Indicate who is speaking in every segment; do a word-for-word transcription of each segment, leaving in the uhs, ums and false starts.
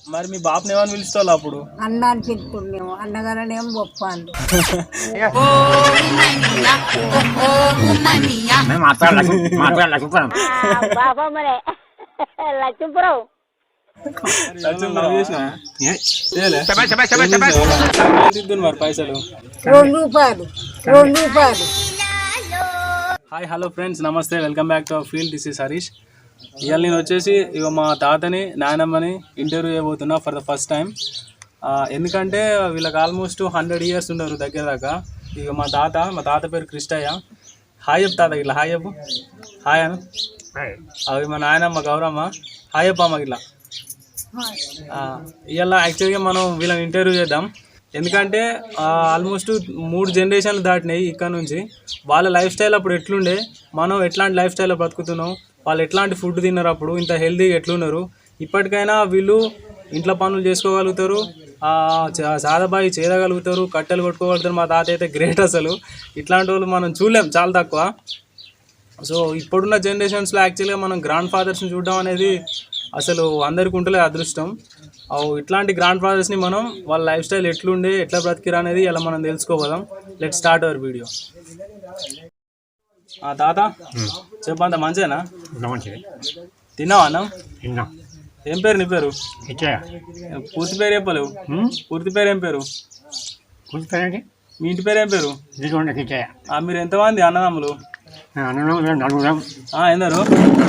Speaker 1: మరి మీ బాబుని ఏమని పిలుస్తావు అప్పుడు?
Speaker 2: అన్న అని పిలుపుడు మేము అన్నగారనేమో గొప్పాను.
Speaker 3: బాబా మరే లక్ష్మీపురం
Speaker 1: మరి పైసలు
Speaker 2: రెండు రూపాయలు రెండు రూపాయలు.
Speaker 1: హాయ్ హలో ఫ్రెండ్స్, నమస్తే, welcome back to our field. This is Harish. ఇవాళ నేను వచ్చేసి ఇక మా తాతని నాయనమ్మని ఇంటర్వ్యూ చేయబోతున్నా ఫర్ ద ఫస్ట్ టైం. ఎందుకంటే వీళ్ళకి ఆల్మోస్ట్ హండ్రెడ్ ఇయర్స్ ఉన్నారు దగ్గర దాకా. ఇక మా తాత మా తాత పేరు కృష్ణయ్య. హాయ్ చెప్పు తాత, ఇట్లా హాయ్ చెప్పు. హాయ్ అను. అవి మా నాయనమ్మ గౌరమ్మ. హాయ్ చెప్పు అమ్మకి ఇట్లా. ఇవాళ యాక్చువల్గా మనం వీళ్ళని ఇంటర్వ్యూ చేద్దాం. ఎందుకంటే ఆల్మోస్ట్ మూడు జనరేషన్లు దాటినాయి ఇక్కడ నుంచి. వాళ్ళ లైఫ్ స్టైల్ అప్పుడు ఎట్లుండే, మనం ఎట్లాంటి లైఫ్ స్టైల్లో బ్రతుకుతున్నాం, వాళ్ళు ఎట్లాంటి ఫుడ్ తిన్నారు, అప్పుడు ఇంత హెల్తీగా ఎట్లున్నారు. ఇప్పటికైనా వీళ్ళు ఇంట్లో పనులు చేసుకోగలుగుతారు, సాదాబాయి చేయగలుగుతారు, కట్టెలు కొట్టుకోగలుగుతారు. మా తాత అయితే గ్రేట్ అసలు. ఇట్లాంటి వాళ్ళు మనం చూడలేం, చాలా తక్కువ. సో ఇప్పుడున్న జనరేషన్స్లో యాక్చువల్గా మనం గ్రాండ్ ఫాదర్స్ని చూడడం అనేది అసలు అందరికి ఉంటలే అదృష్టం. ఇట్లాంటి గ్రాండ్ ఫాదర్స్ని మనం వాళ్ళ లైఫ్ స్టైల్ ఎట్లుండే, ఎట్లా బ్రతికిరా అనేది ఇలా మనం తెలుసుకోపోదాం. Let start our video. తాత చెప్పంత మంచిదేనా? తిన్నావా అన్నం? ఏం పేరు నీ పేరు? పూర్తి పేరు చెప్పలేవు. పూర్తి పేరు ఏం పేరు? మీ ఇంటి పేరు ఏం పేరు? మీరు ఎంతమంది అన్నదమ్ములు? ఎందరు?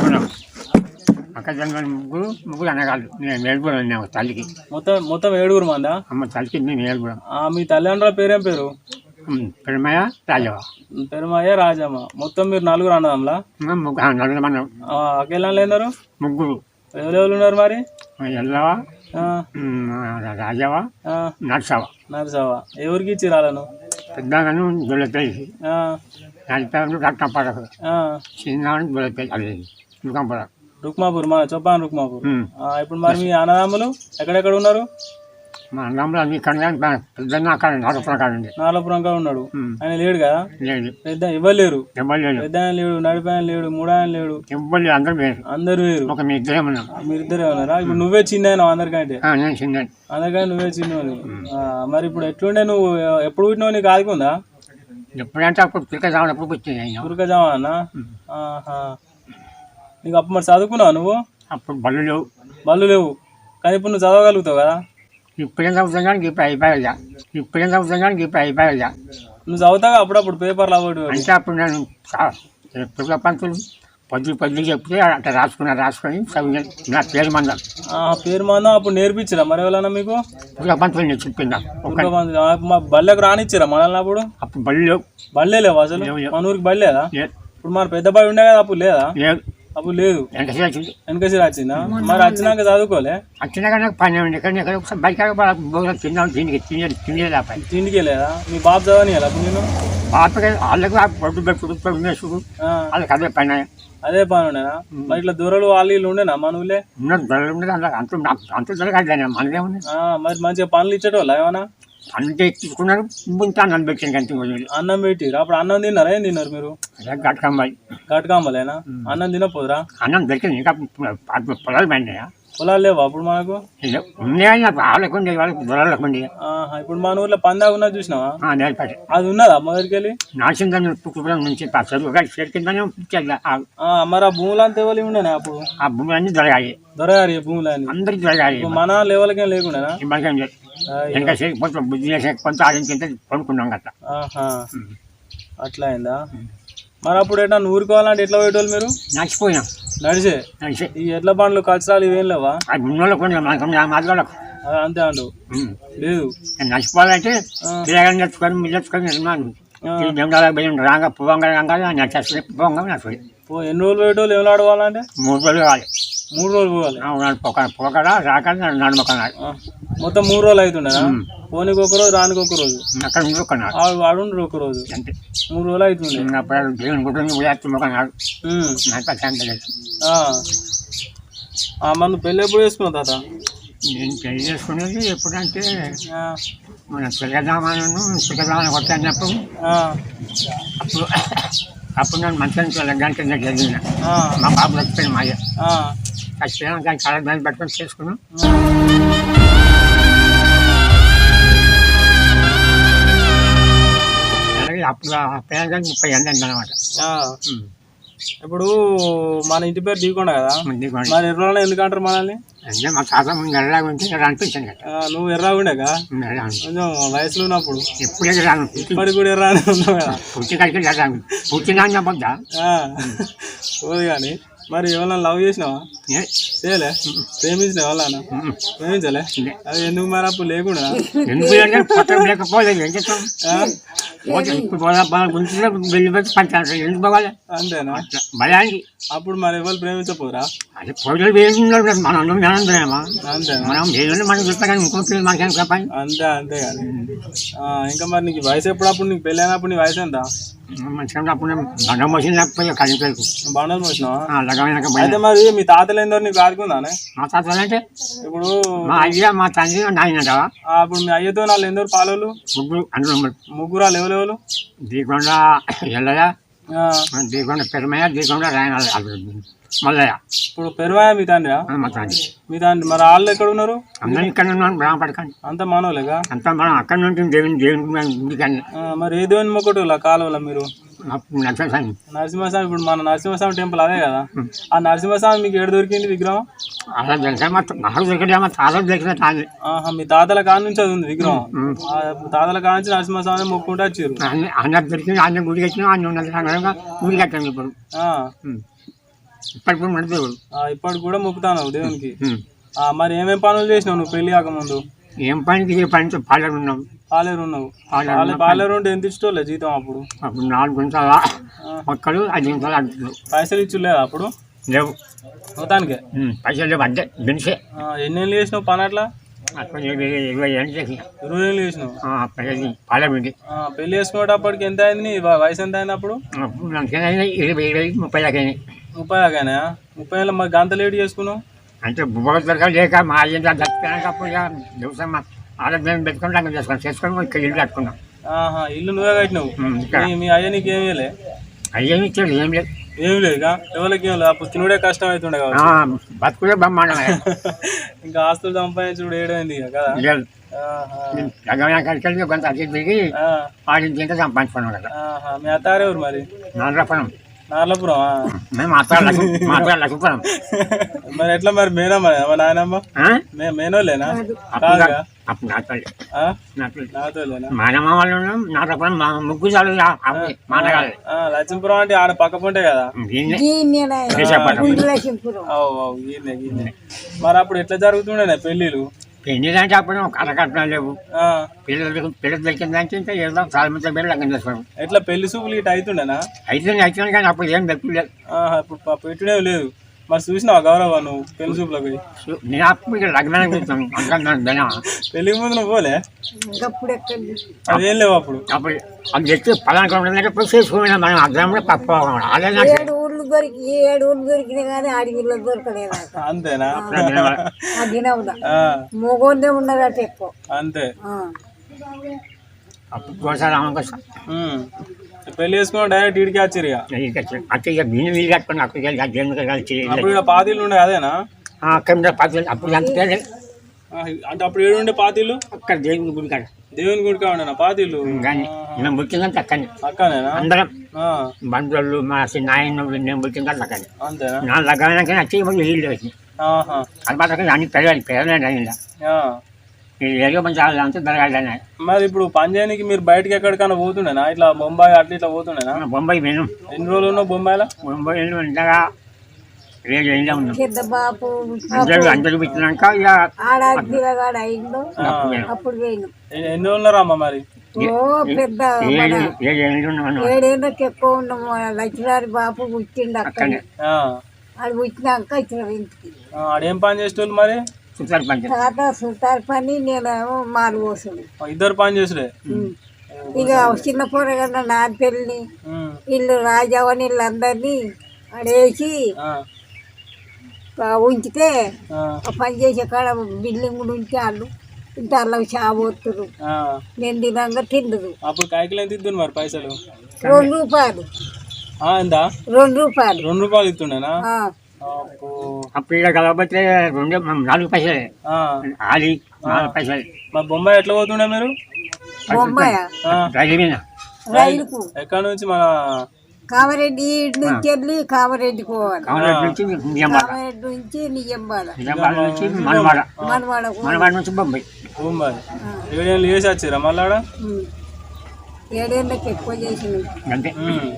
Speaker 4: ముగ్గురు ముగ్గురు అనగాళ్ళు. నేను ఏడుగురు తల్లికి.
Speaker 1: మొత్తం మొత్తం ఏడుగురు మందా?
Speaker 4: అమ్మ తల్లికి నేను ఏడుగురు.
Speaker 1: మీ తల్లిదండ్రుల పేరేం పేరు?
Speaker 4: పెరుమయ్య రాజవ్వ.
Speaker 1: పెరుమయ్య రాజమ్మ. మొత్తం మీరు నలుగురు అన్నదమ్ములా?
Speaker 4: నలుగురు మనం.
Speaker 1: అకేళ్ళు ఎందరు?
Speaker 4: ముగ్గురు.
Speaker 1: ఎవరెవరు ఉన్నారు మరి?
Speaker 4: ఎల్లవ, రాజవ్వ, నర్సవ.
Speaker 1: నర్సవ. ఎవరికి ఇచ్చి రాలను?
Speaker 4: పెద్దగాను దొల్లపేసి, నడిపేరు రక్తంపడకు, చిన్న దొల్లపేసి, అది రుకంపడకు.
Speaker 1: రుక్మాపూర్, మా చొప్పాను రుక్మాపూర్. ఇప్పుడు మరి మీ అన్నదమ్ములు ఎక్కడెక్కడ ఉన్నారు?
Speaker 4: మా అన్నదమ్ములు అన్ని ఇక్కడ పెద్ద అక్కడ నాలుపురం కాడ ఉంది.
Speaker 1: నాలుపురం కాడ ఉన్నాడు. ఆయన లేడు కదా?
Speaker 4: లేదు.
Speaker 1: పెద్ద ఇవ్వరు లేరు.
Speaker 4: ఎవరు లేడు.
Speaker 1: పెద్ద ఆయన లేడు, నడిపి ఆయన లేడు, మూడు ఆయన లేడు.
Speaker 4: ఎవరు లేరు, అందరూ వేరు.
Speaker 1: అందరు వేరు.
Speaker 4: ఒక మీ ఇద్దరే ఉన్నాం.
Speaker 1: మీరు ఇద్దరే ఉన్నారా? ఇప్పుడు నువ్వే చిన్న అందరికంటే?
Speaker 4: నేను చిన్న.
Speaker 1: అందరికంటే నువ్వే చిన్న. మరి ఇప్పుడు ఎట్లుండే? నువ్వు ఎప్పుడు పుట్టినావు? నీకు ఆదుకుందా?
Speaker 4: ఎప్పుడంటే అప్పుడు పురకజామా ఎప్పుడు పుట్టింది.
Speaker 1: పురకజామా అన్న? నీకు అప్పుడు మరి చదువుకున్నావు నువ్వు?
Speaker 4: అప్పుడు బళ్ళు లేవు.
Speaker 1: బళ్ళు లేవు కానీ ఇప్పుడు నువ్వు చదవగలుగుతావు కదా?
Speaker 4: ఇప్పుడేం చదువుతాం కానీ ఇప్పుడు అయిపోయా. ఇప్పుడేం చదువుతాం కానీ ఇప్పుడు అయిపోయా.
Speaker 1: నువ్వు చదువుతావు అప్పుడప్పుడు పేపర్లు అవ్వడు
Speaker 4: అంటే అప్పుడు నేను పురుగ పంతులు పద్దులు పద్దులు చెప్తే అట్లా రాసుకున్నా, రాసుకొని చదివి నా పేరు మందం.
Speaker 1: పేరు మందం అప్పుడు నేర్పించరా మరి ఎవరైనా మీకు?
Speaker 4: పురుగ పంతులు నేను చెప్పిందా.
Speaker 1: బళ్ళకు రానిచ్చారా మనల్ని అప్పుడు?
Speaker 4: అప్పుడు బళ్ళు లేవు.
Speaker 1: బళ్ళే లేవు అసలు? మన ఊరికి బడి లేదా? ఇప్పుడు మన పెద్ద బడి ఉండే కదా, అప్పుడు లేదా?
Speaker 4: లేదు.
Speaker 1: అప్పుడు లేదు.
Speaker 4: వెనకసి వచ్చింది.
Speaker 1: వెనకసి వచ్చిందా? మరి వచ్చినాక చదువుకోలే?
Speaker 4: వచ్చినాక నాకు పని ఉండే కానీ ఎక్కడ ఒకసారి బయట తిన్నాను. తిండికి తినే తినేదా పని
Speaker 1: తిండికి లేదా? మీ బాబు చదవని అప్పుడు నేను
Speaker 4: బాపకి వాళ్ళకి పొట్టు పెట్టుడు ఉండేసుడు వాళ్ళకి అదే పని.
Speaker 1: అదే పని ఉండేనా? మరి ఇట్లా దూరలు వాళ్ళు వీళ్ళు ఉండేనా మన ఊళ్ళే?
Speaker 4: ఉన్నది దొరలు ఉండేది. అంత అంత దొరకదు మనదే ఉంది.
Speaker 1: మరి మంచిగా పనులు ఇచ్చేటోళ్ళ ఏమన్నా?
Speaker 4: అంటే తీసుకున్నారు. ముందు అన్నం పెట్టాను కంటి
Speaker 1: అన్నం పెట్టి. అప్పుడు అన్నం తిన్నారా? ఏం తిన్నారు మీరు?
Speaker 4: గట్కంబాయి.
Speaker 1: గట్కంబలేనా? అన్నం తినపోదురా?
Speaker 4: అన్నం దొరికింది. ఇంకా పొలాలు పడినాయా?
Speaker 1: పొలాలు లేవా అప్పుడు మనకు?
Speaker 4: ఉన్నాయా? వాళ్ళకు ఉండే వాళ్ళకి దొరలకు ఉండే.
Speaker 1: ఇప్పుడు మన ఊర్లో పందాగా ఉన్నది చూసినావా?
Speaker 4: నేర్పడి
Speaker 1: అది ఉన్నదా మొదటికి వెళ్ళి?
Speaker 4: నాసిందని పుట్టుకులం నుంచి చేరుకుందానే
Speaker 1: మరి ఆ భూములు అంతా ఎవరు ఉండేనా అప్పుడు?
Speaker 4: ఆ భూములు అన్ని దొరకాయి.
Speaker 1: దొరగాలి భూములు అన్ని
Speaker 4: అందరికి దొరకాయి.
Speaker 1: మన లెవెల్కే లేకుండా
Speaker 4: ఇంకా కొంచెం బుద్ధి చేసే కొంచెం ఆడించింటే కొనుక్కున్నాం కదా.
Speaker 1: అట్లా అయిందా? మరి అప్పుడు ఎట్లా ఊరుకోవాలంటే ఎట్లా పోయేటోళ్ళు మీరు?
Speaker 4: నడిచిపోయినాం.
Speaker 1: నడిచే
Speaker 4: నడిచే
Speaker 1: ఈ ఎట్ల బండ్లు కల్చరాలు ఇవేం లేవా?
Speaker 4: మాదిగోళ్ళకు
Speaker 1: అంతే అండు లేదు.
Speaker 4: నడిచిపోవాలంటే పిల్లగాని నచ్చుకొని మీరు నచ్చుకొని రాగా పోవంగా నచ్చేస్తుంది. పోవంగా నచ్చుతుంది.
Speaker 1: ఎన్ని రోజులు పోయేటోళ్ళు ఏం ఆడుకోవాలంటే?
Speaker 4: మూడు రోజులు కావాలి.
Speaker 1: మూడు రోజులు పోవాలి.
Speaker 4: పోకడా రాక నడుమొక్కనాడు.
Speaker 1: మొత్తం మూడు రోజులు అవుతుండేనా? పోనీకి ఒక రోజు, రానికి ఒక రోజు.
Speaker 4: అక్కడ ఉండుకున్నాడు.
Speaker 1: ఆడుండ్రు ఒక రోజు.
Speaker 4: అంతే.
Speaker 1: మూడు రోజులు అవుతుండే.
Speaker 4: దేవుని గుడ్డని ఉదయాత్మకున్నాడు.
Speaker 1: మన పెళ్ళి ఎప్పుడు చేసుకున్నావు తాత?
Speaker 4: నేను పెళ్లి చేసుకునేది ఎప్పుడంటే మన పిల్లదామాను పిల్లదామని కొట్టినప్పుడు అప్పుడు అప్పుడు నేను మంచి లగ్గానికి జరిగిన మా బాబు వచ్చిపోయిన మాయ ఖచ్చితంగా కానీ చాలా దాన్ని పట్టుకొని చేసుకున్నాం. అలాగే అప్పుడు ఆ పిల్లలకి ముప్పై ఎండ అనమాట.
Speaker 1: ఆ. ఇప్పుడు మన ఇంటి పేరు దీకొండ కదా, మరి ఎర్రలో ఎందుకు అంటారు మనల్ని?
Speaker 4: అంటే మా తాత ముందు ఎర్రగా ఉంటే ఇక్కడ అనిపించాను కదా.
Speaker 1: ఆ, నువ్వు ఎర్రగా ఉండేగా కొంచెం వయసులో ఉన్నప్పుడు,
Speaker 4: ఎప్పుడు ఎర్రాను
Speaker 1: ఇప్పటికి కూడా ఎర్రానే ఉన్నావు కదా.
Speaker 4: పుట్టి కలిసి ఎర్రాను పుట్టినా పొద్దా
Speaker 1: పోదు కానీ మరి ఎవరన్నా లవ్ చేసినావా? చేయలే. ప్రేమించిన ఎవరన్నా? ప్రేమించలే. అది ఎందుకు మరి అప్పుడు లేకుండా?
Speaker 4: ఎందుకు పట్టం లేకపోలేదు ఏం చేస్తాం. ఇప్పుడు వెళ్ళిపోతే పంచాలి ఎందుకు పోవాలి
Speaker 1: అంతేనా?
Speaker 4: భయానికి.
Speaker 1: అప్పుడు మరి ఎవరు ప్రేమించపోరా?
Speaker 4: అది పోటీ వేసుకున్నారు మనం మేనంతేమా.
Speaker 1: అంతేనా?
Speaker 4: మనం ఏదైనా మనం చూస్తాం కానీ ఇంకో పిల్లలు మనకేం చెప్పండి.
Speaker 1: అంతే అంతే కానీ ఇంకా మరి నీకు వయసు ఎప్పుడు? అప్పుడు నీకు పెళ్ళి అయినప్పుడు నీ వయసు ఎంత?
Speaker 4: మంచిగా అప్పుడు బండం మోసిన లేకపోతే కలిపేకు
Speaker 1: బండలు మోసినావా?
Speaker 4: లగమైనాక
Speaker 1: అయితే మరి మీ తాతలు ఏందో నీకు ఆడుకుందానే?
Speaker 4: మా తాతలు అంటే
Speaker 1: ఇప్పుడు
Speaker 4: మా అయ్య మా తండ్రి నాయన
Speaker 1: అప్పుడు మీ అయ్యతో వాళ్ళు ఎందరు పాలోళ్ళు?
Speaker 4: ముగ్గురు అందులో
Speaker 1: ముగ్గురు. వాళ్ళు ఎవరెవరు?
Speaker 4: దీకొండ ఎల్లయ్య, దీకొండ పెరుమయ్య, దీకొండ రాయన మల్లయ్య.
Speaker 1: ఇప్పుడు పెరుమయ్య మీ తండ్రి?
Speaker 4: మా తండ్రి.
Speaker 1: మీ తండ్రి. మరి వాళ్ళు ఎక్కడ ఉన్నారు?
Speaker 4: అందరూ ఇక్కడ ఉన్నాను బ్రహ్మపడకండి.
Speaker 1: అంత మానవులేగా?
Speaker 4: అంత మనం అక్కడ నుంచి దేవుని దేవుని కానీ.
Speaker 1: మరి ఏ దేవుని మొక్కటి కాలువలా మీరు?
Speaker 4: నరసింహస్వామి.
Speaker 1: నరసింహస్వామి. ఇప్పుడు మన నరసింహస్వామి టెంపుల్ అదే కదా. ఆ నరసింహస్వామి మీకు ఏడు దొరికింది విగ్రహం?
Speaker 4: అలా తెలిసా మా నాకు దొరికితే మా తాతలు దొరికిన తాగి.
Speaker 1: మీ తాతల కాడ నుంచి అది ఉంది విగ్రహం. తాతల కాడ నుంచి నరసింహస్వామి మొక్కుంటూ వచ్చారు.
Speaker 4: అందరు దొరికింది అన్న గుడికి వచ్చినా అన్న ఉన్నది సంగతంగా గుడికి వచ్చాను ఇప్పుడు. ఇప్పటికి మన దేవుడు
Speaker 1: ఇప్పటికి కూడా మొక్కుతాను దేవునికి. మరి ఏమేం పనులు చేసినావు నువ్వు పెళ్లి కాకముందు?
Speaker 4: ఏం పనికి ఏ పని పాలేరు ఉన్నావు.
Speaker 1: పాలేరు ఉన్నావు. పాలేరు ఉంటే ఎంత ఇష్టోలే జీతం అప్పుడు?
Speaker 4: అప్పుడు నాలుగు గుంటల మొక్కలు ఐదు గుంటలు అంటున్నావు.
Speaker 1: పైసలు ఇచ్చులేదా అప్పుడు?
Speaker 4: లేవు
Speaker 1: మొత్తానికే
Speaker 4: పైసలు లేవు అంటే బెనిసే.
Speaker 1: ఎన్ని ఏళ్ళు చేసినావు పని అట్లా?
Speaker 4: ఇరవై ఏళ్ళు చేసిన.
Speaker 1: ఇరవై ఏళ్ళు చేసినావు
Speaker 4: పాలమిండి.
Speaker 1: పెళ్లి చేసుకునేటప్పటికి ఎంత అయింది? నీ వయసు ఎంత అయింది అప్పుడు?
Speaker 4: ఇరవై ఇరవై ముప్పై దాకా అయినాయి.
Speaker 1: ముప్పై దాకానే? ముప్పై ఏళ్ళ మరి గంత లేట్ చేసుకున్నావు
Speaker 4: అంటే బుబ్బలు దొరక లేక మా అయ్యంతా దక్కిపోయినప్పుడు ఇక దివసం ఆరోగ్యం పెట్టుకుని అక్కడ చేసుకున్నాం చేసుకొని ఇక్కడ ఇల్లు కట్టుకున్నాం.
Speaker 1: ఇల్లు నువ్వే కట్టినావు? మీ అయ్య నీకు ఏమి లే?
Speaker 4: అయ్యేమి ఇచ్చాడు ఏం లేదు.
Speaker 1: ఏమి లేదు ఇక ఎవరికి ఏం లేదు. అప్పుడు తినుడే కష్టం అవుతుండే కదా.
Speaker 4: బతుకుడే బ్రహ్మాండం.
Speaker 1: ఇంకా ఆస్తులు సంపాదించుడు ఏడైంది కదా.
Speaker 4: కలిసి కొంత అతి తిరిగి ఆడించి ఇంకా సంపాదించుకున్నాం కదా.
Speaker 1: మీ అత్తారు ఎవరు మరి?
Speaker 4: నాలుగు
Speaker 1: నార్లపురం.
Speaker 4: మేము మాత్రం లక్ష్మీపురం.
Speaker 1: మరి ఎట్లా మరి మేనా మరి నాయనమ్మ మేనోలేనా? కాదుగా
Speaker 4: అప్పుడు
Speaker 1: నాతోలేనా?
Speaker 4: మానమ్మ వాళ్ళు నాటపురం ముగ్గురు చాలు మానగాలి.
Speaker 1: లక్ష్మీపురం అంటే ఆడ పక్క పొంటే కదా. మరి అప్పుడు ఎట్లా జరుగుతుండే పెళ్ళిళ్ళు?
Speaker 4: పెళ్లి అంటే అప్పుడు కథకట్నాలు లేవు. పిల్లలు పిల్లలు దొరికిందంటే ఇంకా ఏదో చాలా మంది పేరు లగ్నం చేసుకోవడం.
Speaker 1: ఎట్లా పెళ్లి సూపులు ఇటు అవుతుండేనా?
Speaker 4: అయితే అవుతుంది కానీ అప్పుడు ఏం దొరకలేదు.
Speaker 1: ఇప్పుడు పెట్టుడే లేదు. మరి చూసినావా గౌరవ నువ్వు పెళ్లి సూపులో పోయి?
Speaker 4: నేను అప్పుడు ఇక్కడ లగ్నానికి చూస్తాను.
Speaker 1: పెళ్లికి ముందు నువ్వు పోలే? అదేం లేవు అప్పుడు.
Speaker 4: అప్పుడు అది తెచ్చి పలానా పోయి చేసుకున్నా మనం అర్థం కూడా పప్పు
Speaker 2: ఏడు ఊళ్ళు దొరికి ఏడు ఊళ్ళు దొరికినా కానీ అడవిలో దొరకలేదు.
Speaker 1: అంతేనా?
Speaker 2: మొగోదే ఉన్నదట ఎక్కువ.
Speaker 1: అంతే.
Speaker 4: అప్పుడు కోసం రామకోసం
Speaker 1: పెళ్లి చేసుకున్నా డైరెక్ట్ ఇడికి వచ్చారు ఇక.
Speaker 4: అక్కడ ఇక బియ్యం వీలు కట్టుకుని అప్పుడు
Speaker 1: అప్పుడు పాతీళ్ళు ఉండే అదేనా?
Speaker 4: అక్కడ పాతీలు అప్పుడు అంతే.
Speaker 1: అంటే అప్పుడు ఏడు ఉండే పాతీళ్ళు
Speaker 4: అక్కడ దేవుని గుడి కాడ.
Speaker 1: దేవుని గుడి కాడ పాతీళ్ళు
Speaker 4: కానీ మేము పుట్టిందంటే అక్కడనే.
Speaker 1: అక్కడనేనా?
Speaker 4: అందరం బంధువులు మా నాయన నేను పుట్టిందంటే అక్కడనే.
Speaker 1: అంతేనా?
Speaker 4: నా లగ్నానికి వచ్చి ఇల్లు వచ్చింది. అది మాత్రం అన్ని పెరగాలి పెరగలేదు అయిందా ఏరియో మంచి అంతా పెరగాలి.
Speaker 1: మరి ఇప్పుడు పని చేయడానికి మీరు బయటకి ఎక్కడికైనా పోతుండేనా? ఇట్లా బొంబాయి అట్లా ఇట్లా పోతుండేనా?
Speaker 4: బొంబాయి మేము
Speaker 1: ఎన్ని రోజులు ఉన్నావు బొంబాయిలో?
Speaker 4: బొంబాయి ఉండగా రేడియో ఇంట్లో ఉన్నాం.
Speaker 2: పెద్ద బాపు
Speaker 4: అందరూ అందరూ పెట్టినాక ఇక
Speaker 2: అప్పుడు పోయినాం.
Speaker 1: ఎన్ని రోజులు ఉన్నారా అమ్మ మరి?
Speaker 2: ఓ పెద్ద ఏడేళ్ళకి ఎక్కువ ఉన్నాము. లక్ష్మీవారి బాపు పుట్టిండు అక్కడ. అది పుట్టినాక ఇచ్చిన ఇంటికి.
Speaker 1: ఆడేం పని చేసేవాళ్ళు మరి?
Speaker 4: సుతార్ పని.
Speaker 2: తాత సుతార్ పని, నేనేమో మాలు పోసుడు.
Speaker 1: ఇద్దరు పని చేసుడే.
Speaker 2: ఇక చిన్న పోరగన్న నా పెళ్ళి వీళ్ళు రాజావని వీళ్ళందరినీ ఆడేసి ఉంచితే పని చేసే కాడ బిల్డింగ్ ఉంటే వాళ్ళు ఇంత అలా చాబోతురు. నేను తినంగా తిండదు.
Speaker 1: అప్పుడు కాయకులు ఎంత ఇద్దు మరి పైసలు?
Speaker 2: రెండు రూపాయలు.
Speaker 1: ఎంత?
Speaker 2: రెండు రూపాయలు.
Speaker 1: రెండు రూపాయలు ఇస్తుండేనా? అబ్బో.
Speaker 4: అప్పుడు ఇక్కడ కలవకపోతే రెండు నాలుగు పైసలే
Speaker 1: ఆ,
Speaker 4: ఆది నాలుగు పైసలు
Speaker 1: మరి బొంబాయి ఎట్లా పోతుండే మీరు?
Speaker 2: బొమ్మాయ
Speaker 1: ఆ,
Speaker 4: రైలు మీద
Speaker 2: రైలుకు
Speaker 1: ఎక్కడ నుంచి మన
Speaker 2: కామారెడ్డి ఇటు నుంచి వెళ్ళి కామారెడ్డి పోవాలి.
Speaker 4: కామరాజ్ నుంచి నిజామాబాద్,
Speaker 2: కామారెడ్డి నుంచి నిజంబాల
Speaker 4: నిజామాబాద్ నుంచి మనవాడ,
Speaker 2: మనవాడకు
Speaker 4: మనవాడ నుంచి బొంబాయి.
Speaker 1: బొంబాయి ఏడేళ్ళు చేసి వచ్చిరా మళ్ళీ ఆడ?
Speaker 2: ఏడేళ్ళకి ఎక్కువ చేసిన
Speaker 4: అంతే.
Speaker 1: ఉమ్.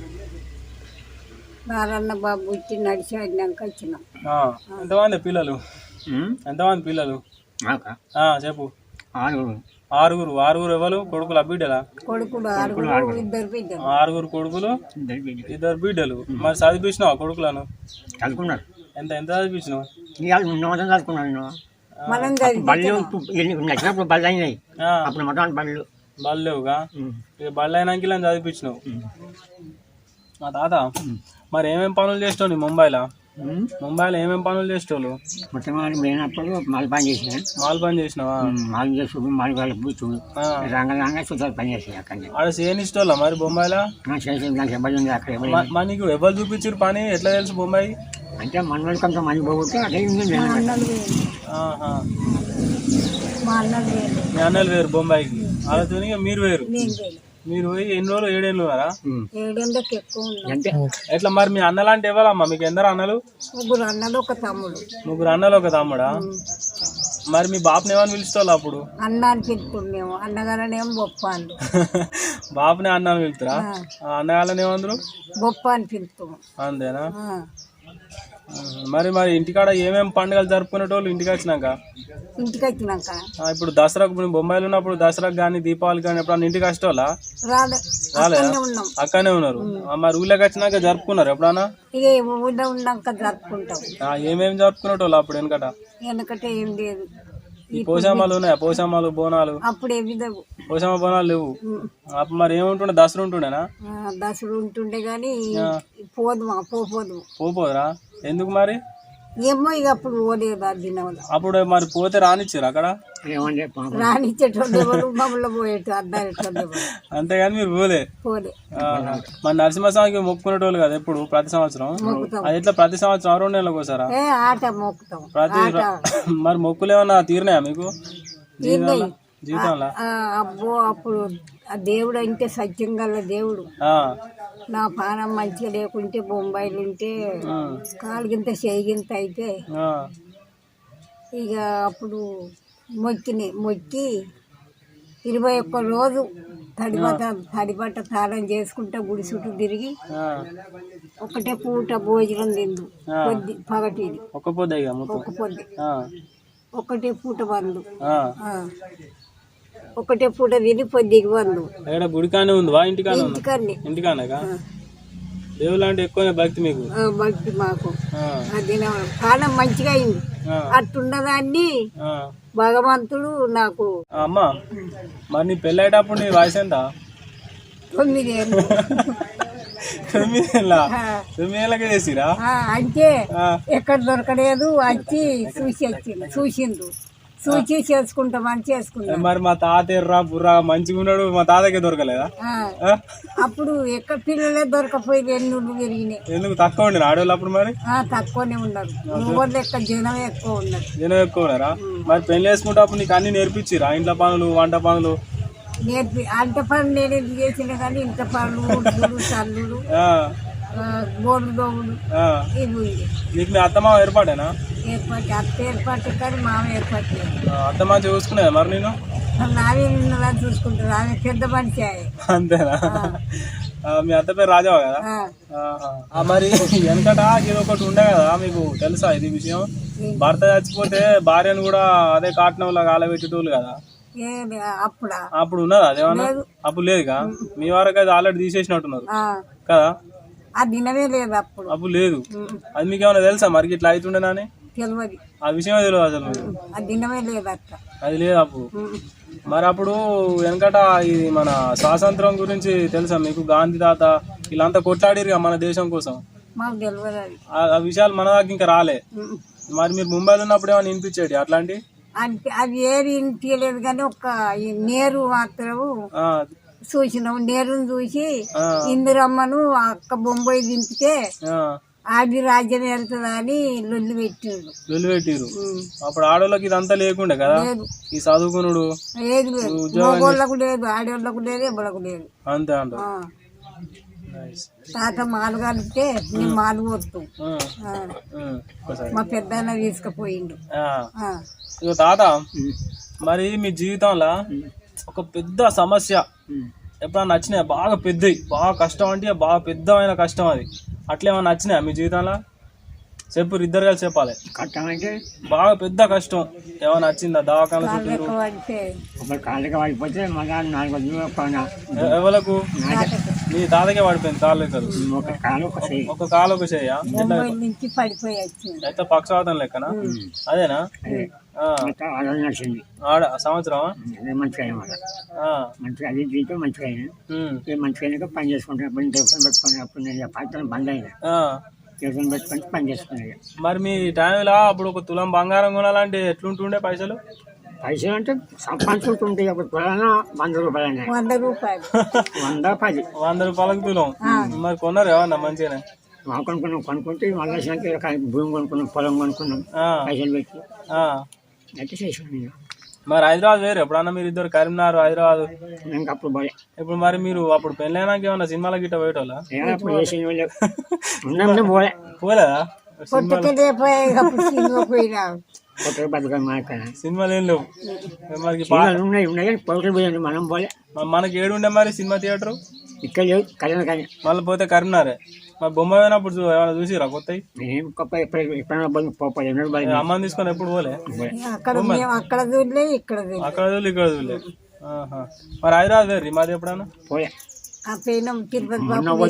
Speaker 2: నారాయణ బాబు ఇచ్చి నడిచి ఆడినాక వచ్చినాం.
Speaker 1: ఆ, ఎంతమంది పిల్లలు?
Speaker 4: ఉమ్,
Speaker 1: ఎంతమంది పిల్లలు?
Speaker 4: మాకా?
Speaker 1: ఆ, చెప్పు.
Speaker 4: ఆరుగురు.
Speaker 1: ఆరుగురు. ఆరుగురు ఎవరు? కొడుకులు బిడ్డలా?
Speaker 2: కొడుకులు ఆరుగురు, ఇద్దరు బిడ్డలు.
Speaker 1: ఆరుగురు కొడుకులు,
Speaker 4: ఇద్దరు బిడ్డలు.
Speaker 1: ఇద్దరు బిడ్డలు. మరి చదివించినావు కొడుకులను?
Speaker 4: చదువుకున్నారు.
Speaker 1: ఎంత ఎంత చదివించినావు?
Speaker 4: ఇవాళ ఉన్న మొత్తం చదువుకున్నాను నేను.
Speaker 2: మనం
Speaker 4: బళ్ళు నచ్చినప్పుడు బళ్ళు అయినాయి,
Speaker 1: ఆ,
Speaker 4: అప్పుడు మొత్తం బళ్ళు.
Speaker 1: బళ్ళు లేవుగా?
Speaker 4: ఉమ్,
Speaker 1: ఇక బళ్ళు అయినాక ఇలా చదివించినావు.
Speaker 4: ఉమ్,
Speaker 1: మా తాత మరి ఏమేం పనులు చేస్తావు నీ ముంబైలో?
Speaker 4: ఉమ్.
Speaker 1: ముంబైలో ఏమేం పనులు చేసేవాళ్ళు?
Speaker 4: మొత్తం వాళ్ళు పోయినప్పుడు మాలు పని చేసిన,
Speaker 1: మాల్ పని చేసినావా?
Speaker 4: మాలు చేసుడు మాలు వాళ్ళ కూర్చుడు
Speaker 1: ఆ,
Speaker 4: రంగ రంగా చూసారు పని చేసేది అక్కడ.
Speaker 1: ఆడ చేయనిష్టోళ్ళ మరి బొంబాయిలో?
Speaker 4: చేసేది నాకు ఎవరు ఉంది అక్కడ ఎవరు
Speaker 1: మ- మరి నీకు ఎవరు చూపించారు పని? ఎట్లా తెలుసు బొంబాయి?
Speaker 4: అంటే మన వాళ్ళు కొంత మంది పోతే అదే ఉంది.
Speaker 2: మా అన్నలు వేరు,
Speaker 1: ఆహా.
Speaker 2: మా అన్నలు వేరు,
Speaker 1: మీ అన్నలు వేరు బొంబాయికి, వాళ్ళతో మీరు వేరు.
Speaker 2: నేను వేరు.
Speaker 1: మీరు పోయి ఎన్ని రోజులు? ఏడేళ్ళు కదా?
Speaker 2: ఏడేళ్ళకి ఎక్కువ ఉన్నాం.
Speaker 4: అంతే.
Speaker 1: ఎట్లా మరి మీ అన్నలు అంటే ఎవరమ్మా? మీకు ఎందరు అన్నలు?
Speaker 2: ముగ్గురు అన్నలు ఒక తమ్ముడు.
Speaker 1: ముగ్గురు అన్నలు ఒక తమ్ముడా? మరి మీ బాపుని ఏమని పిలుస్తావు అప్పుడు?
Speaker 2: అన్న అని పిలుపుకున్నాము, అన్నగారనేమో బొప్ప అని.
Speaker 1: బాపుని అన్న అని పిలుస్తారా? ఆ, అన్నగాళ్ళని ఏమందరు?
Speaker 2: బొప్ప అని పిలుస్తాము.
Speaker 1: అంతేనా?
Speaker 2: ఆ.
Speaker 1: ఉహు. మరి మరి ఇంటికాడ ఏమేమి పండుగలు జరుపుకునేటోళ్ళు ఇంటికి వచ్చినాక?
Speaker 2: ఇంటికి వచ్చినాక
Speaker 1: ఆ, ఇప్పుడు దసరాకు ఇప్పుడు బొంబాయిలో ఉన్నప్పుడు దసరాకు కానీ దీపావళి కానీ ఎప్పుడన్నా ఇంటికి వచ్చేటోళ్ళా?
Speaker 2: రాలే,
Speaker 1: రాలేదా?
Speaker 2: అక్కడనే ఉన్నాం.
Speaker 1: అక్కడనే ఉన్నారు. ఆ, మరి ఊళ్ళోకి వచ్చినాక జరుపుకున్నారు ఎప్పుడన్నా?
Speaker 2: ఇక ఊళ్ళో ఉన్నాక జరుపుకుంటాం.
Speaker 1: ఆ, ఏమేమి జరుపుకునేటోళ్ళు అప్పుడు వెనకట?
Speaker 2: వెనకటే ఏం లేదు.
Speaker 1: ఈ పోషామాలు ఉన్నాయా? పోషామాలు బోనాలు?
Speaker 2: అప్పుడు ఏమి లేవు.
Speaker 1: పోషామ బోనాలు లేవు. అప్పుడు మరి ఏముంటుండే? దసరా ఉంటుండేనా?
Speaker 2: ఆ, దసరా ఉంటుండే గాని పోదుమా పోపోదు.
Speaker 1: పోపోదురా? ఎందుకు మరి?
Speaker 2: ఏమో ఇక అప్పుడు పోలేదు ఆ దినం.
Speaker 1: అప్పుడు మరి పోతే రానిచ్చారు అక్కడ?
Speaker 4: ఏమంటే పాపం.
Speaker 2: రానిచ్చేటోళ్ళు ఎవరు, మమ్మల్ని పోయేటో అద్దారేటోళ్ళు ఎవరు
Speaker 1: అంతేగాని మీరు పోలే.
Speaker 2: పోలే.
Speaker 1: ఆహా. మరి నరసింహస్వామికి మొక్కుకునేటోళ్ళు కదా ఎప్పుడు ప్రతి సంవత్సరం?
Speaker 2: మొక్కుతాం.
Speaker 1: అది ఎట్లా ప్రతి సంవత్సరం రెండు నెలలకు ఒకసారా?
Speaker 2: ఏ ఆట మొక్కుతాం.
Speaker 1: ప్రతి
Speaker 2: ఆట
Speaker 1: మరి మొక్కులు ఏమన్నా తీరినాయా మీకు
Speaker 2: తిన్నాయి.
Speaker 1: జీవితంలో?
Speaker 2: ఆ, అబ్బో అప్పుడు ఆ దేవుడు అంటే సత్యం గల దేవుడు.
Speaker 1: ఆ,
Speaker 2: నా పానం మంచిగా లేకుంటే బొంబాయిలు ఉంటే
Speaker 1: ఉమ్,
Speaker 2: కాలుగింత చేయిగింత అయితే
Speaker 1: ఆ,
Speaker 2: ఇక అప్పుడు మొక్కిని మొక్కి ఇరవై ఒక్క రోజు తడిబట్ట తడిబట్ట తాళం చేసుకుంటా గుడి చుట్టూ తిరిగి
Speaker 1: ఆ.
Speaker 2: ఒకటే పూట భోజనం తిందు పొద్దు పగటిది
Speaker 1: ఒక్క పొద్దు ఇక మొత్తం?
Speaker 2: ఒక పొద్దు
Speaker 1: ఆ,
Speaker 2: ఒకటే పూట బందు.
Speaker 1: ఆ.
Speaker 2: ఆ. ఒకటే పూట తిని పొద్దుకి బందు.
Speaker 1: ఎక్కడ గుడికానే ఉంది వా ఇంటికానే ఉంది?
Speaker 2: ఇంటికన్నీ
Speaker 1: ఇంటికానేగా? దేవుళ్ళు అంటే ఎక్కువనే భక్తి మీకు?
Speaker 2: ఆ, భక్తి మాకు.
Speaker 1: ఆ,
Speaker 2: అది నా కాలం మంచిగా అయింది.
Speaker 1: ఆ,
Speaker 2: అట్టున్నదాన్ని
Speaker 1: ఆ.
Speaker 2: భగవంతుడు నాకు
Speaker 1: ఆ, అమ్మా మరి నీ పెళ్ళేటప్పుడు నీ వయసు ఎంత?
Speaker 2: తొమ్మిదేళ్ళు.
Speaker 1: తొమ్మిదేళ్ళ? తొమ్మిదేళ్ళకే చేసిరా?
Speaker 2: ఆ, అంటే
Speaker 1: ఆ,
Speaker 2: ఎక్కడ దొరకలేదు, వచ్చి చూసి వచ్చింది చూసిండు, చూసి చేసుకుంటామని చేసుకున్నాం.
Speaker 1: మరి మా తాత ఎర్రా బుర్రా మంచిగా ఉన్నాడు, మా తాతకే దొరకలేదా?
Speaker 2: ఆ,
Speaker 1: ఆ?
Speaker 2: అప్పుడు ఎక్కడ పిల్లలే దొరకపోయి ఎన్నుళ్ళు పెరిగినాయి.
Speaker 1: ఎందుకు తక్కువ ఉండి ఆడవాళ్ళు అప్పుడు? మరి
Speaker 2: ఆ, తక్కువనే ఉన్నారు. ఊళ్ళో ఎక్కడ జనం ఎక్కువ ఉన్నారు.
Speaker 1: జనం ఎక్కువ ఉన్నారా? మరి పెళ్లి వేసుకుంటే అప్పుడు నీకు అన్ని నేర్పించిరా? ఇంట్లో పనులు, వంట పనులు?
Speaker 2: నేర్పి అంత పనులు నేను ఎందుకు చేసిన కానీ ఇంత పనులు ఉడుపులు చల్లుడు
Speaker 1: ఆ,
Speaker 2: గోడు దోగుడు
Speaker 1: ఆ.
Speaker 2: ఇవి ఉంది.
Speaker 1: నీకు మీ అత్తమామ ఏర్పాటేనా?
Speaker 2: ఏర్పాటు అత్త ఏర్పాటు కానీ మామ ఏర్పాటు లేదు.
Speaker 1: ఆ, అత్తమామ చూసుకునేదా మరి నేను?
Speaker 2: నావే నిన్నలా చూసుకుంటారు. ఆమె పెద్ద మనిషి ఆమె.
Speaker 1: అంతేనా? ఆ, మీ అత్త పేరు రాజావా కదా?
Speaker 2: ఆ,
Speaker 1: ఆహా. ఆ, మరి వెనకట ఇది ఒకటి ఉండే కదా మీకు తెలుసా ఇది విషయం? భర్త చచ్చిపోతే భార్యను కూడా అదే కాటనంలో కాలబెట్టేటోళ్ళు కదా?
Speaker 2: ఏది అప్పుడా?
Speaker 1: అప్పుడు ఉన్నదా అదేమన్నా?
Speaker 2: లేదు.
Speaker 1: అప్పుడు లేదుగా? మీ వరకు అది ఆల్రెడీ తీసేసినట్టున్నారు
Speaker 2: ఆ,
Speaker 1: కదా?
Speaker 2: ఆ దినమే లేదు అప్పుడు.
Speaker 1: అప్పుడు లేదు.
Speaker 2: ఉమ్,
Speaker 1: అది మీకు ఏమైనా తెలుసా మరి ఇట్లా అవుతుండేనని?
Speaker 2: తెలియదు.
Speaker 1: ఆ విషయమే తెలియదు అసలు మీకు?
Speaker 2: ఆ దినమే లేదు అట్లా.
Speaker 1: అది లేదు అప్పుడు.
Speaker 2: ఉమ్,
Speaker 1: మరి అప్పుడు వెనకట ఇది మన స్వాతంత్రం గురించి తెలుసా మీకు? గాంధీ తాత వీళ్ళంతా కొట్లాడిరుగా మన దేశం కోసం.
Speaker 2: మాకు తెలియదు అది.
Speaker 1: ఆ ఆ విషయాలు మన దాకా ఇంకా రాలే.
Speaker 2: ఉమ్,
Speaker 1: మరి మీరు ముంబైలో ఉన్నప్పుడు ఏమైనా వినిపించేది అట్లాంటి?
Speaker 2: అంటే అది ఏది తెలియదు కానీ ఒక్క ఈ నేరు మాత్రం
Speaker 1: ఆ,
Speaker 2: చూసినాం. నేరుని చూసి
Speaker 1: ఆ,
Speaker 2: ఇందిరమ్మను అక్క బొంబాయి దింపితే
Speaker 1: ఆ,
Speaker 2: ఆడి రాజ్యం వెళ్తుందా అని లొల్లి పెట్టాడు.
Speaker 1: లొల్లి పెట్టిరు. అప్పుడు ఆడోళ్ళకి ఇదంతా లేకుండే కదా, ఈ చదువుకునుడు
Speaker 2: ఏది లేదు, మగోళ్ళకు లేదు, ఆడోళ్ళకు లేదు, ఎవరికి లేదు.
Speaker 1: అంతే అంట.
Speaker 2: తాత మాలు కలిపితే నేను మాలు కొడుతూ మా పెద్ద తీసుకుపోయిండు.
Speaker 1: ఇక తాత, మరి మీ జీవితంలో ఒక పెద్ద సమస్య ఎప్పుడన్నా నచ్చినాయా? బాగా పెద్దవి, బాగా కష్టం అంటే బాగా పెద్దమైన కష్టం అది, అట్లా ఏమన్నా నచ్చినాయా మీ జీవితంలో? చెప్పు, ఇద్దరు కలిసి చెప్పాలి.
Speaker 4: కష్టం అంటే
Speaker 1: బాగా పెద్ద కష్టం ఏమైనా వచ్చిందా? దవాఖాన
Speaker 4: కాళ్ళకి పడిపోతే మళ్ళీ నాలుగు
Speaker 1: ఎవరకు? మీ తాతకే పడిపోయింది కాళ్ళు లెక్కలు,
Speaker 4: ఒక కాలు ఒక చేయి.
Speaker 1: ఒక కాలు ఒక చేయ
Speaker 2: నుంచి పడిపోయి
Speaker 1: అయితే పక్షవాతం లెక్కనా? అదేనా?
Speaker 4: నడిచింది
Speaker 1: ఆడ సంవత్సరం
Speaker 4: మంచిగా మంచిగా అది దీంతో మంచిగా అయినా మంచిగా అయినాక పని చేసుకుంటాను. దేవస్థానం పెట్టుకుని అప్పుడు నేను పాత్రలు బంద్ అయినా దేవస్థానం పెట్టుకొని పని చేసుకున్నాను.
Speaker 1: మరి మీ టైంలో అప్పుడు ఒక తులం బంగారం కొనాలంటే ఎట్లుంటుండే పైసలు?
Speaker 4: పైసలు అంటే సంపాదించుకుంటుంటే అప్పుడు తులాన వంద రూపాయలు
Speaker 2: వంద రూపాయలు
Speaker 4: వంద పది
Speaker 1: వంద రూపాయలకు తులం. మరి కొన్నారు ఏమన్నా మంచిగానే?
Speaker 4: కొనుక్కున్నాం, కొనుక్కుంటే మళ్ళీ భూమి కొనుక్కున్నాం, పొలం కొనుక్కున్నాం, పైసలు పెట్టి అయితే చేసుకున్నాం.
Speaker 1: మరి హైదరాబాద్ వేరు ఎప్పుడన్నా మీరు ఇద్దరు కరీంనగర్ హైదరాబాద్
Speaker 4: ఇంకా అప్పుడు పోలే.
Speaker 1: ఇప్పుడు మరి మీరు అప్పుడు పెళ్ళైనాక ఏమన్నా సినిమాల గిట్ట పోయేటోళ్ళ?
Speaker 4: అప్పుడు ఏ సినిమా ఉన్నాం పోలే.
Speaker 1: పోలేదా? సినిమాలు ఏం లేవు
Speaker 4: ఉన్నాయి ఉన్నాయి కానీ పోటీ పోయాను మనం పోలే.
Speaker 1: మనకి ఏడు ఉండే మరి సినిమా థియేటర్
Speaker 4: ఇక్కడ లేవు కళ్యాణ కానీ
Speaker 1: మళ్ళీ పోతే కరీంనగరే. మరి బొమ్మ పోయినప్పుడు ఏమైనా చూసిరా కొత్తవి? అమ్మని తీసుకొని ఎప్పుడు పోలే?
Speaker 2: అక్కడ చూడలే, ఇక్కడ
Speaker 1: అక్కడ చూడలే, ఇక్కడ చూడలే. మరి హైదరాబాద్ వేరు మాది ఎప్పుడన్నా
Speaker 4: పోయా?
Speaker 2: పోయినాం తిరుపతి,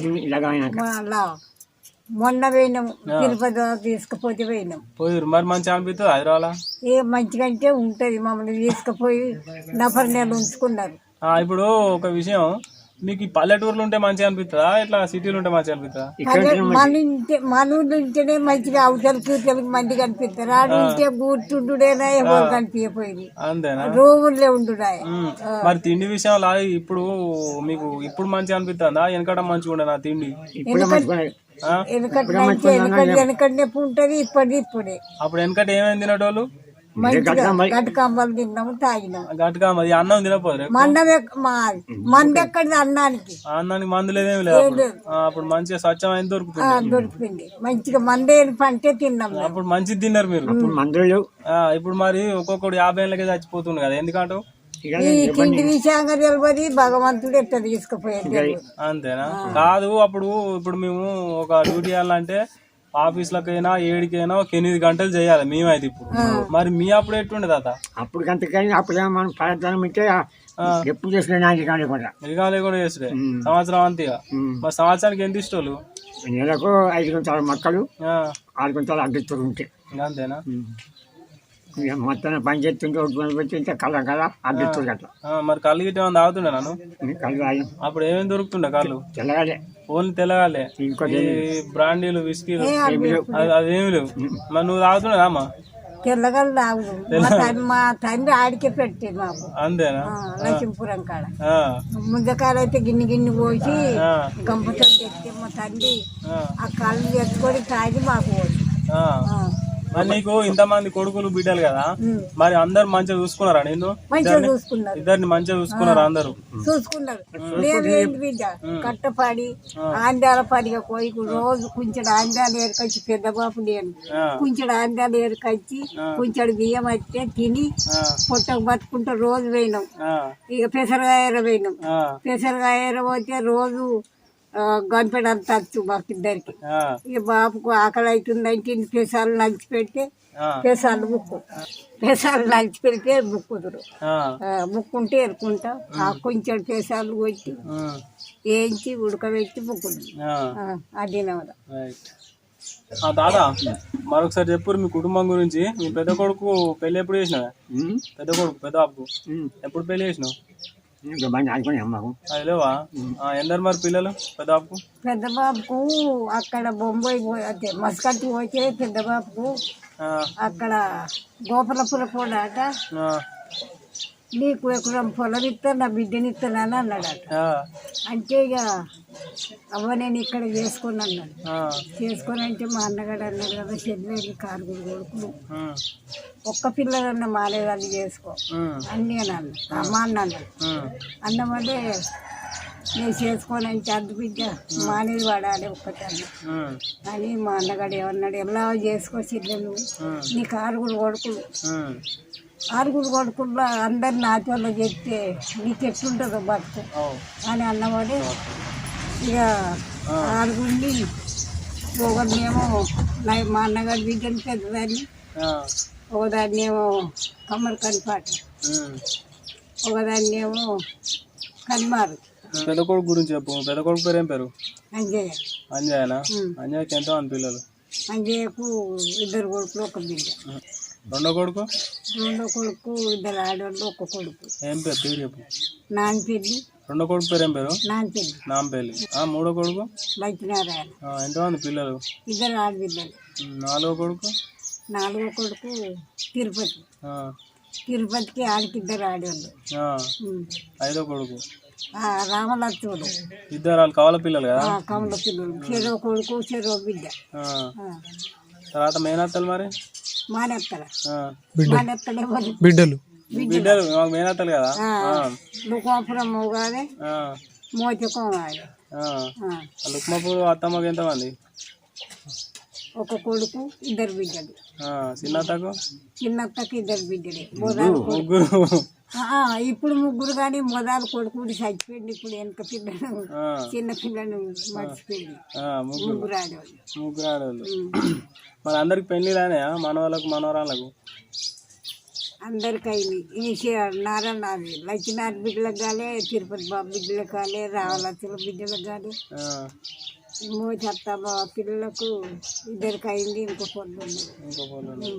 Speaker 2: మొన్న పోయినాం తిరుపతి తీసుకుపోతే పోయినాం.
Speaker 1: పోయిరు. మరి మంచిగా అనిపిస్తుంది హైదరాబాద్?
Speaker 2: ఏ మంచిగా అంటే ఉంటది, మమ్మల్ని తీసుకుపోయి నఫర్ నెలలు ఉంచుకున్నారు.
Speaker 1: ఇప్పుడు ఒక విషయం, మీకు ఈ పల్లెటూరులో ఉంటే మంచిగా అనిపిస్తుందా ఇట్లా సిటీలో ఉంటే మంచిగా అనిపిస్తుందా?
Speaker 2: మన ఇంటే మన ఊళ్ళో ఉంటేనే మంచిగా అవతలకి ఇవతలకి మంచిగా అనిపిస్తారు. ఆడు ఉంటే కూర్చుంటుడేనా ఏమో కనిపించపోయింది,
Speaker 1: అంతేనా?
Speaker 2: రోజులే ఉంటున్నాయి.
Speaker 1: మరి తిండి విషయంలో ఇప్పుడు మీకు ఇప్పుడు మంచిగా అనిపిస్తుందా? వెనకట మంచిగా ఉండేనా తిండి?
Speaker 2: వెనకటి వెనకటి నొప్పి ఉంటది, ఇప్పటి ఇప్పుడే.
Speaker 1: అప్పుడు వెనకట ఏమేమి తినేటోళ్ళు?
Speaker 2: గట్కాంబాలు తిన్నాము, తాగినాము.
Speaker 1: గట్కాంబ అన్నం తినపోదు,
Speaker 2: మందం మంది ఎక్కడిది అన్నానికి?
Speaker 1: అన్నానికి మందు లేదేమి లేదు. అప్పుడు మంచిగా స్వచ్ఛమైన దొరుకుతుంది,
Speaker 2: దొరికింది మంచిగా మందే పంటే తిన్నాము.
Speaker 1: అప్పుడు మంచిది తిన్నారు మీరు. ఇప్పుడు మరి ఒక్కొక్కడు యాభై ఏళ్ళకే చచ్చిపోతుంది కదా, ఎందుకంటే
Speaker 2: ఈ తిండి విషయంగా తెలియదు, భగవంతుడు ఎట్లా తీసుకుపోయేది.
Speaker 1: అంతేనా? కాదు, అప్పుడు ఇప్పుడు మేము ఒక డ్యూటీ చేయాలంటే ఆఫీసులకైనా ఏడికైనా ఒక ఎనిమిది గంటలు చేయాలి మేమైతే. ఇప్పుడు మరి మీ అప్పుడు ఎట్టుండే తాత?
Speaker 4: అప్పుడు గంటకైనా అప్పుడు మనం పదార్థం ఇస్తే ఎప్పుడు చేసుకునే
Speaker 1: రిగాలే కూడా చేస్తుండే సంవత్సరం అంతేగా. మరి సంవత్సరానికి ఎంత ఇష్టోళ్ళు?
Speaker 4: నెలకు ఐదు గుంటల మొక్కలు, ఆరు గుంటల అడ్డిస్తారు ఉంటే.
Speaker 1: అంతేనా?
Speaker 4: మొత్తం పని చేస్తుంటే పెట్టి ఇంత కళ్ళ కదా అడ్డిస్తారు అట్లా.
Speaker 1: మరి కళ్ళు గిట్ట ఏమైనా తాగుతుండే నన్ను?
Speaker 4: కళ్ళు తాగి
Speaker 1: అప్పుడు ఏమేమి దొరుకుతుండే కళ్ళు?
Speaker 4: తెల్లగాలే,
Speaker 1: ఓన్లీ తెల్లగాలే. బ్రాండీలు విస్కీలు అదేమి లేవు. మరి నువ్వు తాగుతుండే అమ్మా?
Speaker 2: తెల్లగలు తాగు, మా తండ్రి ఆడికే పెట్టే మాకు.
Speaker 1: అంతేనా?
Speaker 2: లక్ష్మీపురం కాడ ముందకాయలు అయితే గిన్నె గిన్నె పోసి గంపతో తెస్తే మా తండ్రి ఆ కళ్ళు తెచ్చుకొని తాగి మాకు పోసి.
Speaker 1: మరి నీకు ఇంతమంది కొడుకులు బిడ్డలు కదా, మరి అందరు మంచిగా చూసుకున్నారా నిన్ను? ఇద్దరిని మంచిగా చూసుకున్నారా? అందరు
Speaker 2: చూసుకున్నారు. బిడ్డ కట్టపాడి ఆంధ్రాల పడిగా పోయి రోజు కొంచెం ఆంధ్రాలు ఏరుకొచ్చి, పెద్ద బాపు నేను కొంచెం ఆంధ్రాలు ఏరుకొచ్చి కొంచెం బియ్యం అయితే తిని పొట్టకు పట్టుకుంటూ రోజు పోయినాం. ఇక పెసరగాయర పోయినాం. పెసరగాయర పోతే రోజు గంపెడంత వచ్చు మాకు ఇద్దరికి. ఇక బాబుకు ఆకలి అవుతుందంటే పెసాలు నంచి పెడితే పెసాలు ముక్కు, పెసాలు నంచి పెడితే ముక్కుదురు. ముక్కుంటే ఎరుకుంటా కొంచెం పెసాలు కొట్టి వేయించి ఉడకబెట్టి ముక్కుదు. అది
Speaker 1: దాదా మరొకసారి చెప్పు మీ కుటుంబం గురించి. మీ పెద్ద కొడుకు పెళ్లి ఎప్పుడు చేసినావా? పెద్ద కొడుకు పెద్ద బాబుకు ఎప్పుడు పెళ్లి చేసినావు? లేవా? ఎందరు మరి పిల్లలు పెద్ద బాబుకు?
Speaker 2: పెద్ద బాబుకు అక్కడ బొంబాయి పోతే మస్కట్ పోతే పెద్ద బాబుకు అక్కడ గోపాలపుర పోడాట, నీకు ఎకరం పొలం ఇస్తా నా బిడ్డని ఇస్తానని అన్నాడట. అంటే ఇక అవ్వ నేను ఇక్కడ చేసుకుని అన్నాడు.
Speaker 1: ఆ,
Speaker 2: చేసుకొని అంటే మా అన్నగాడు అన్నాడు కదా చెల్లెలు కారుగురు కొడుకులు
Speaker 1: ఉమ్,
Speaker 2: ఒక్క పిల్లలన్న మాలేదాన్ని చేసుకో
Speaker 1: ఉమ్,
Speaker 2: అని నేను అన్నా. అమ్మ అన్న అన్నాడు.
Speaker 1: ఉమ్,
Speaker 2: అన్నమంటే నేను చేసుకొని అంటే అద్దు బిడ్డ మానేది పడాలి ఒక్కటి అన్న
Speaker 1: ఉమ్,
Speaker 2: అని మా అన్నగాడు ఏమన్నాడు, ఎలా చేసుకో చెల్లెలు నీకు ఆరుగురు కొడుకులు
Speaker 1: ఉమ్,
Speaker 2: ఆరుగురు కొడుకుల్లో అందరు నాతోళ్ళు చెప్తే నీకు ఎట్లుంటుందో బతుకు
Speaker 1: ఓ,
Speaker 2: అని అన్నవాడే ఇక ఆరుగురిని ఒకరినేమో నా- మా అన్నగారి బిడ్డని పెద్దదాన్ని,
Speaker 1: ఆ,
Speaker 2: ఒకదాన్నేమో కమ్మరి కనిపాట,
Speaker 1: ఉమ్.
Speaker 2: ఒకదాన్నేమో కనిమారు
Speaker 1: పెద్ద కొడుకు గురించి చెప్పు. పెద్ద కొడుకు పేరు ఏం పేరు?
Speaker 2: అంజయ్య.
Speaker 1: అంజయ్యనా?
Speaker 2: ఉమ్.
Speaker 1: అంజయ్యకి ఎంతో మంది పిల్లలు?
Speaker 2: అంజయ్యకు ఇద్దరు కొడుకులు ఒక బిడ్డ.
Speaker 1: రెండో కొడుకు
Speaker 2: రెండో కొడుకు ఇద్దరు ఆడవాళ్ళు ఒక కొడుకు
Speaker 1: ఏం పేరు? పేరు చెప్పు.
Speaker 2: నాన్నపెల్లి.
Speaker 1: రెండో కొడుకు పేరు ఏం పేరు?
Speaker 2: నాన్నపెల్లి.
Speaker 1: నాంపల్లి. ఆ, మూడో కొడుకు?
Speaker 2: లక్ష్మీనారాయణ.
Speaker 1: ఆ, ఎంతమంది పిల్లలు?
Speaker 2: ఇద్దరు ఆడబిడ్డలు.
Speaker 1: ఉమ్, నాలుగో కొడుకు?
Speaker 2: నాలుగో కొడుకు తిరుపతి.
Speaker 1: ఆ,
Speaker 2: తిరుపతికి ఆడికి ఇద్దరు ఆడవాళ్ళు.
Speaker 1: ఆ,
Speaker 2: ఉమ్.
Speaker 1: ఐదో కొడుకు?
Speaker 2: ఆ రామలక్ష్ముడు.
Speaker 1: ఇద్దరు వాళ్ళు కావాల పిల్లలు కదా?
Speaker 2: ఆ కమల పిల్లలు. చెరో కొడుకు చెరో బిడ్డ.
Speaker 1: ఆ,
Speaker 2: ఆ.
Speaker 1: తర్వాత మేనత్తలు మరి?
Speaker 2: మానెత్తల
Speaker 1: ఆ,
Speaker 2: మానెత్తలే వాళ్ళు
Speaker 1: బిడ్డలు బిడ్డలు మాకు మేనత్తలు కదా? ఆ,
Speaker 2: లుకాపురం మోగాదే
Speaker 1: ఆ,
Speaker 2: మోచకం వాడే.
Speaker 1: ఆ. లుక్మాపూర్ అత్తమ్మకి ఎంతమంది?
Speaker 2: ఒక కొడుకు ఇద్దరు బిడ్డలు.
Speaker 1: ఆ, చిన్నత్తకు?
Speaker 2: చిన్నత్తకి ఇద్దరు బిడ్డలే. మొదలు కొడుకు.
Speaker 1: ముగ్గురు.
Speaker 2: ఆ, ఇప్పుడు ముగ్గురు కానీ మొదలు కొడుకు చచ్చిపోయింది. ఇప్పుడు వెనక పిల్లలు
Speaker 1: ఆ,
Speaker 2: చిన్న పిల్లలు మర్చిపోయింది.
Speaker 1: ఆ, ముగ్గురు.
Speaker 2: ముగ్గురు ఆడవాళ్ళు.
Speaker 1: ముగ్గురు ఆడవాళ్ళు.
Speaker 2: ఉమ్.
Speaker 1: మరి అందరికి పెళ్లి రానాయా? మనవాళ్ళకు మనవరాళ్ళకు?
Speaker 2: అందరికి అయింది. ఈ నారాయణ లక్ష్మీనారాయణ బిడ్డలకు కాలే, తిరుపతి బాబు బిడ్డలకు కాలే, రావలచ్చల బిడ్డలకు కాలే,
Speaker 1: ఆ,
Speaker 2: మోచత్త బాబు పిల్లలకు ఇద్దరికి అయింది. ఇంకో పొద్దు
Speaker 1: ఇంకో పొలం.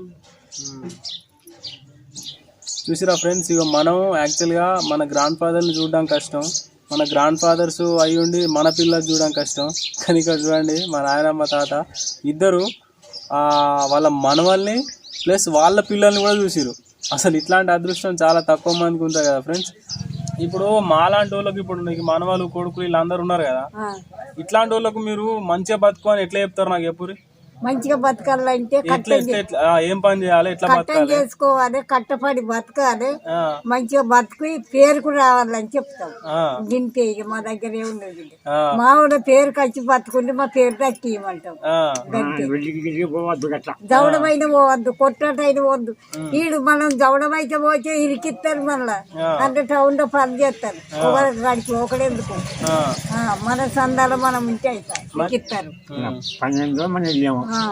Speaker 1: చూసిరా ఫ్రెండ్స్, ఇక మనం యాక్చువల్గా మన గ్రాండ్ ఫాదర్ని చూడడం కష్టం, మన గ్రాండ్ ఫాదర్స్ అయి ఉండి మన పిల్లలు చూడడం కష్టం. కానీ ఇక్కడ చూడండి, మా నాయనమ్మ తాత ఇద్దరు వాళ్ళ మనవల్ని ప్లస్ వాళ్ళ పిల్లల్ని కూడా చూసిరు. అసలు ఇట్లాంటి అదృష్టం చాలా తక్కువ మందికి ఉంటుంది కదా ఫ్రెండ్స్. ఇప్పుడు మాలాంటి వాళ్ళకి, ఇప్పుడు నీకు మనవాళ్ళు కొడుకులు వీళ్ళందరూ ఉన్నారు కదా, ఇట్లాంటి వాళ్ళకు మీరు మంచిగా బతుకు అని ఎట్లా చెప్తారు నాకు ఎప్పుడు?
Speaker 2: మంచిగా బతకాలంటే
Speaker 1: ఎట్లా ఎట్లా ఎట్లా ఆ, ఏం పని చేయాలి, ఎట్లా
Speaker 2: కట్టం
Speaker 1: బతకాలి?
Speaker 2: చేసుకోవాలి, కట్టపడి బతకాలి,
Speaker 1: ఆ,
Speaker 2: మంచిగా బతుకు పేరుకు రావాలని చెప్తాం.
Speaker 1: ఆ,
Speaker 2: గింతే ఇక మా దగ్గర ఏమున్నది.
Speaker 1: ఆ,
Speaker 2: మా ఊళ్ళో పేరుకి వచ్చి బతుకుంటే మా పేరు దక్కియమంటాం.
Speaker 1: ఆ,
Speaker 2: గంతే.
Speaker 4: వెళ్ళి పోవద్దు అట్లా.
Speaker 2: జవడమైన పోవద్దు, కొట్టటైన పోవద్దు. వీడు మనం జవడమైతే పోతే ఇరికిస్తారు మళ్ళా. అంటే టౌన్ లో పని చేస్తారు. ఒకరికి గడిచి ఒకడెందుకు
Speaker 1: ఆ,
Speaker 2: ఆ, మన సందాలు మనం ఉంటే అవుతాయి ఇరికిస్తారు.
Speaker 4: పన్నెండు మనం వెళ్ళాము
Speaker 2: ఆ.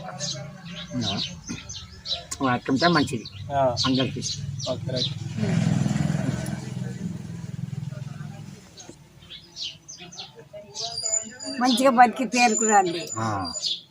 Speaker 4: అట్టుంటే మంచిది
Speaker 1: ఆ.
Speaker 4: అందరికి.
Speaker 1: Okay, right.
Speaker 2: మంచిగా బతికి పేరుకు రండి.
Speaker 4: ఆ.